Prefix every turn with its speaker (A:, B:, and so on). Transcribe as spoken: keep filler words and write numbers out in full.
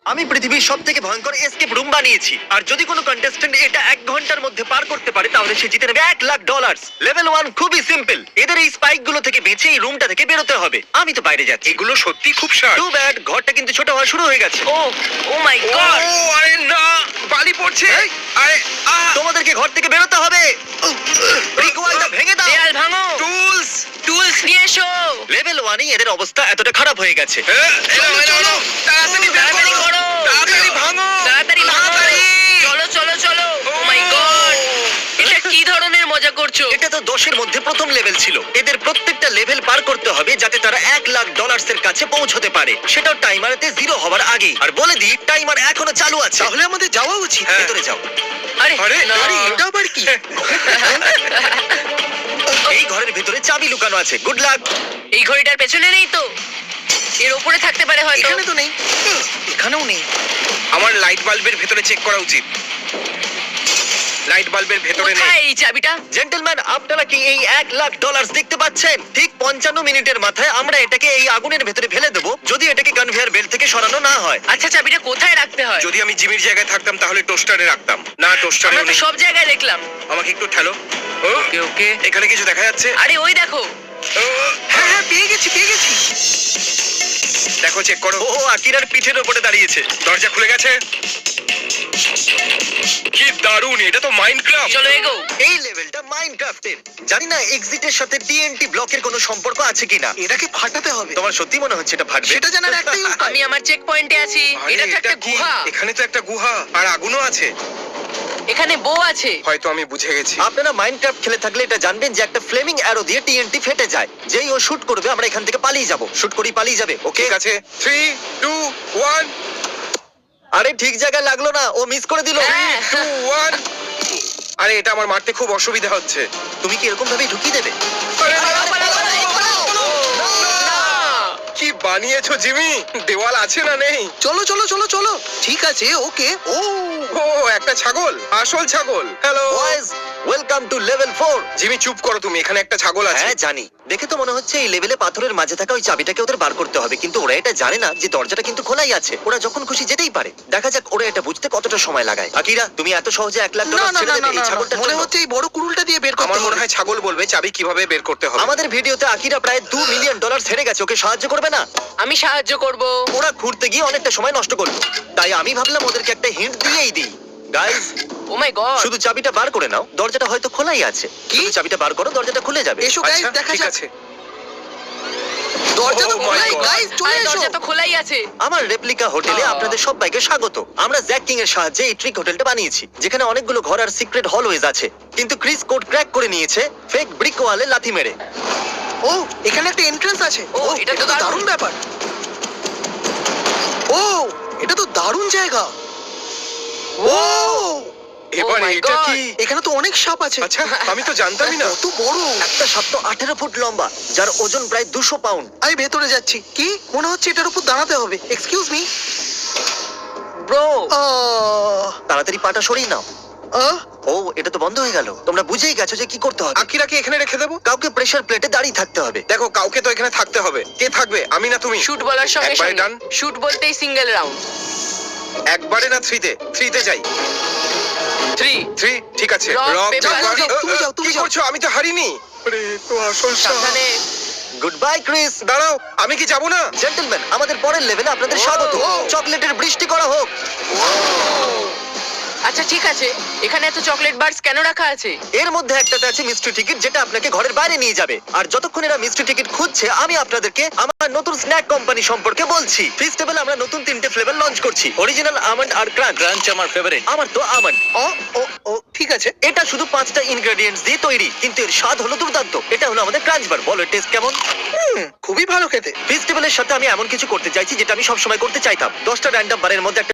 A: আমি পৃথিবীর সব থেকে ভয়ঙ্কর এসকেপ রুম বানিয়েছি, আর যদি কোনো কন্টেস্ট্যান্ট এটা এক ঘন্টার মধ্যে পার করতে পারে তাহলে সে জিতে নেবে এক লাখ ডলার। লেভেল ওয়ান খুবই সিম্পল, এদের এই স্পাইক গুলো থেকে বেঁচে এই রুমটা থেকে বেরোতে হবে। আমি তো বাইরে যাচ্ছি।
B: এগুলো সত্যি খুব শার্প।
A: টু ব্যাড, ঘরটা কিন্তু ছোট হওয়া শুরু হয়ে গেছে।
C: Oh oh my
B: oh
C: God!
B: আরে না, বালি পড়ছে। আরে আহ
A: তোমাদেরকে ঘর থেকে বেরোতে হবে। ব্রিক ওয়ালটা ভেঙে দাও।
C: দেয়াল ভাঙো,
B: টুলস।
C: টুলস নিয়ে এসো।
A: লেভেল ওয়ানে এদের অবস্থা এতটা খারাপ হয়ে গেছে।
B: চলো চলো তাড়াতাড়ি বের
C: তাড়াতাড়ি
B: করো।
C: করো।
B: তাড়াতাড়ি ভাঙো।
C: তাড়াতাড়ি ভাঙো।
B: তাড়াতাড়ি।
C: চলো চলো চলো। Oh my God! এটা কি ধরনের মজা করছো?
A: এটা তো দশের মধ্যে প্রথম লেভেল ছিল। এদের প্রত্যেকটা লেভেল পার করতে হবে যাতে তারা এক লাখ ডলার্স এর কাছে পৌঁছতে পারে, সেটাও টাইমারেতে জিরো হওয়ার আগে। আর বলে দিই, টাইমার এখনো চালু আছে।
D: তাহলে আমাদের যাওয়া উচিত।
B: হ্যাঁ।
A: ভেতরে যাও।
C: আরে
B: আরে,
C: না।
D: আরে এটা আবার কি?
A: এই ঘরের ভিতরে চাবি লুকানো আছে। Good luck.
C: এই ঘড়িটার পেছনে নেই তো? এর উপরে থাকতে পারে হয়তো।
D: এখানে তো নেই। এখানেও নেই।
B: আমার লাইট বাল্বের ভেতরে চেক করা উচিত। লাইট বাল্বের ভেতরে নেই।
C: কোথায় এই চাবিটা?
A: জেন্টলম্যান, আপনারা কি এই এক লাখ ডলার দেখতে পাচ্ছেন? ঠিক পঞ্চান্ন মিনিটের মাথায় আমরা এটাকে এই আগুনের ভেতরে ফেলে দেবো, যদি এটাকে কনভেয়ার বেল্ট থেকে সরানো না হয়।
C: আচ্ছা, চাবিটা কোথায় রাখতে হয়?
B: যদি আমি জিমির জায়গায় থাকতাম তাহলে টোস্টারে রাখতাম। না, টোস্টারে
C: আমরা তো
B: নেই।
C: সব জায়গায় দেখলাম।
B: আমাকে একটু ঠেলো। ও,
C: ওকে ওকে।
B: এখানে কিছু দেখা যাচ্ছে?
C: আরে ওই দেখো।
B: ও,
D: হ্যাঁ হ্যাঁ পেয়ে গেছি পেয়ে গেছি।
B: দেখো, চেক করো।
A: ও আকিরার পিঠের উপরে দাঁড়িয়েছে।
B: দরজা খুলে গেছে। কি দারুণ! এটা তো মাইনক্রাফট।
C: চলো এগো।
A: এই লেভেলটা মাইনক্রাফটের। জানি না এক্সিটের সাথে টিএনটি ব্লকের কোনো সম্পর্ক আছে কিনা।
D: এটাকে ফাটাতে হবে।
A: তোমার সত্যি মনে হচ্ছে এটা ফাটবে?
D: সেটা জানার একটাই উপায়।
C: আমি আমার চেক পয়েন্টে আছি।
B: আরে,
C: এটা তো একটা
B: কি?
C: গুহা।
B: এখানে তো একটা গুহা আর আগুনও আছে।
C: এখানে বউ আছে।
B: হয়তো আমি বুঝে গেছি।
A: আপনারা মাইনক্রাফট খেলে থাকলে এটা জানবেন যে একটা ফ্লেমিং অ্যারো দিয়ে টিএনটি ফেটে যায়। যেই ও শুট করবে আমরা এখান থেকে পালিয়ে যাব। শুট করি পালিয়ে যাবে। ওকে
B: ঠিক আছে, থ্রি টু ওয়ান।
A: আরে ঠিক জায়গায় লাগলো না, ও মিস করে দিল।
C: হ্যাঁ।
B: Two one. আরে, এটা আমার মারতে খুব অসুবিধা হচ্ছে।
A: তুমি কি এরকম ভাবে ঢুকিয়ে দেবে?
B: আরে, না,
C: পালাও, পালাও, পালাও, পালাও। না।
B: কি বানিয়েছো জিমি? দেওয়াল আছে না নেই?
D: চলো চলো চলো চলো। ঠিক আছে ওকে। ও
B: ও, একটা ছাগল, আসল ছাগল। Hello
A: boys, welcome to level four.
B: Jimmy, চুপ করো তুমি। এখানে একটা ছাগল আছে।
A: হ্যাঁ জানি, দেখে তো মনে হচ্ছে এই লেভেলে পাথরের মাঝে থাকা ওই চাবিটাকে ওদের বার করতে হবে, কিন্তু ওরা এটা জানে না যে দরজাটা কিন্তু খোলাই আছে। ওরা যখন খুশি যেতেই পারে। দেখা যাক ওরা এটা বুঝতে কতটা সময় লাগায়। আকিরা, তুমি এত সহজে এক লাখ
D: না
A: ডলার
D: না
A: ছেড়ে
D: না
A: দেবে
D: না
A: এই
D: না,
A: ছাগলটার
D: মনে
A: জন্য?
D: হচ্ছে এই বড় কুড়ুলটা দিয়ে বের করতে
B: আমার মনে
D: হবে।
B: হয় ছাগল বলবে চাবি কিভাবে বের করতে হবে।
A: আমাদের ভিডিওতে আকিরা প্রায় দু মিলিয়ন ডলার হেরে গেছে, ওকে সাহায্য করবে না?
C: আমি সাহায্য করব।
A: ওরা ঘুরতে গিয়ে অনেকটা সময় নষ্ট করলো, তাই আমি ভাবলাম ওদেরকে একটা হিন্ট দিয়েই দিই। Guys,
C: oh my God!
A: শুধু চাবিটা বার করে নাও, দরজাটা হয়তো খোলাই আছে।
D: কি?
A: শুধু চাবিটা বার করো, দরজাটা খুলে যাবে।
D: এসো গাইস,
B: আচ্ছা,
D: দেখা
B: ঠিক
D: যাক।
B: আছে।
D: দরজা তো
B: Oh my
D: খোলাই
B: God.
D: গাইস, চলে
C: আরে
D: এসো।
C: দরজা তো খোলাই আছে।
A: আমার রেপ্লিকা হোটেলে
C: আহ।
A: আপনাদের সবাইকে স্বাগত। আমরা জ্যাক কিং এর সাহায্যে এই ট্রিক হোটেলটা বানিয়েছি, যেখানে অনেকগুলো ঘর আর সিক্রেট হলওয়েজ আছে। কিন্তু ক্রিস কোড ক্র্যাক করে নিয়েছে ফেক ব্রিক ওয়ালে লাথি মেরে।
D: ও এখানে একটা এন্ট্রান্স আছে।
C: ও,
D: ও
C: এটা
D: এটা
C: তো
D: তো
C: দারুণ।
D: দারুণ ব্যাপার। ও এটা তো দারুণ জায়গা। ও
B: এবার
C: Oh my
B: এটা
C: God.
B: কি?
D: এখানে তো অনেক সাপ আছে।
B: আচ্ছা, আমি তো জানতামই না।
D: কত বড়।
A: একটা সাপ তো আঠেরো ফুট লম্বা, যার ওজন প্রায় দুশো পাউন্ড।
D: আমি ভেতরে যাচ্ছি। কি মনে হচ্ছে এটার উপর দাঁড়াতে হবে। Excuse me.
C: ব্রো,
A: তাড়াতাড়ি পাটা সরিয়ে নাও। ও, এটা তো বন্ধ হয়ে গেল। তোমরা বুঝেই গেছো যে কি করতে হবে।
B: আকিরাকে এখানে রেখে দেবো।
A: কাউকে প্রেসার প্লেটে দাঁড়িয়ে থাকতে হবে।
B: দেখো, কাউকে তো এখানে থাকতে হবে। কে থাকবে, আমি না তুমি?
C: শুট বলার সঙ্গে
B: একবারে
C: সঙ্গে
B: done?
C: শুট বলতেই সিঙ্গেল রাউন্ড।
B: একবারে না, থ্রিতে? থ্রিতে যাই।
C: থ্রি।
B: থ্রি, ঠিক আছে।
C: Rock,
B: rock,
C: paper,
B: paper.
D: scissors, তুমি যাও, তুমি
B: কি
D: যাও।
B: করছো? আমি তো হারিনি। আরে, তো আসল সাপ।
C: সাবধানে।
A: Goodbye Chris.
B: দাঁড়াও, আমি কি যাবো না?
A: জেন্টলম্যান, আমাদের পরের লেভেলে আপনাদের
C: ও,
A: স্বাগত।
C: ও।
A: চকলেটের বৃষ্টি করা হোক।
C: আচ্ছা ঠিক আছে, এখানে এত চকলেট বার্স কেন রাখা আছে?
A: এর মধ্যে একটাতে আছে মিস্ট্রি টিকিট, যেটা আপনাকে ঘরের বাইরে নিয়ে যাবে। আর যতক্ষণ এরা মিস্ট্রি টিকিট খুঁজছে, আমি আপনাদেরকে আমার নতুন স্ন্যাক কোম্পানি সম্পর্কে বলছি। ফেস্টিভ্যালে আমরা নতুন তিনটে ফ্লেভার লঞ্চ করছি, অরিজিনাল আমন্ড আর ক্রাঞ্চ। ক্রাঞ্চ আমার ফেভারিট। আমার তো আমন্ড।
D: ও ও ও ঠিক আছে।
A: এটা শুধু পাঁচটা ইনগ্রেডিয়েন্টস দিয়ে তৈরি, কিন্তু এর স্বাদ হলো দুর্দান্ত। এটা হলো আমাদের ক্রাঞ্চ বার। বলো টেস্ট কেমন?
D: হুম, খুবই ভালো খেতে।
A: ফেস্টিভ্যালের সাথে আমি এমন কিছু করতে চাইছি যেটা আমি সবসময় করতে চাইতাম। দশটা র্যান্ডম বারের মধ্যে একটা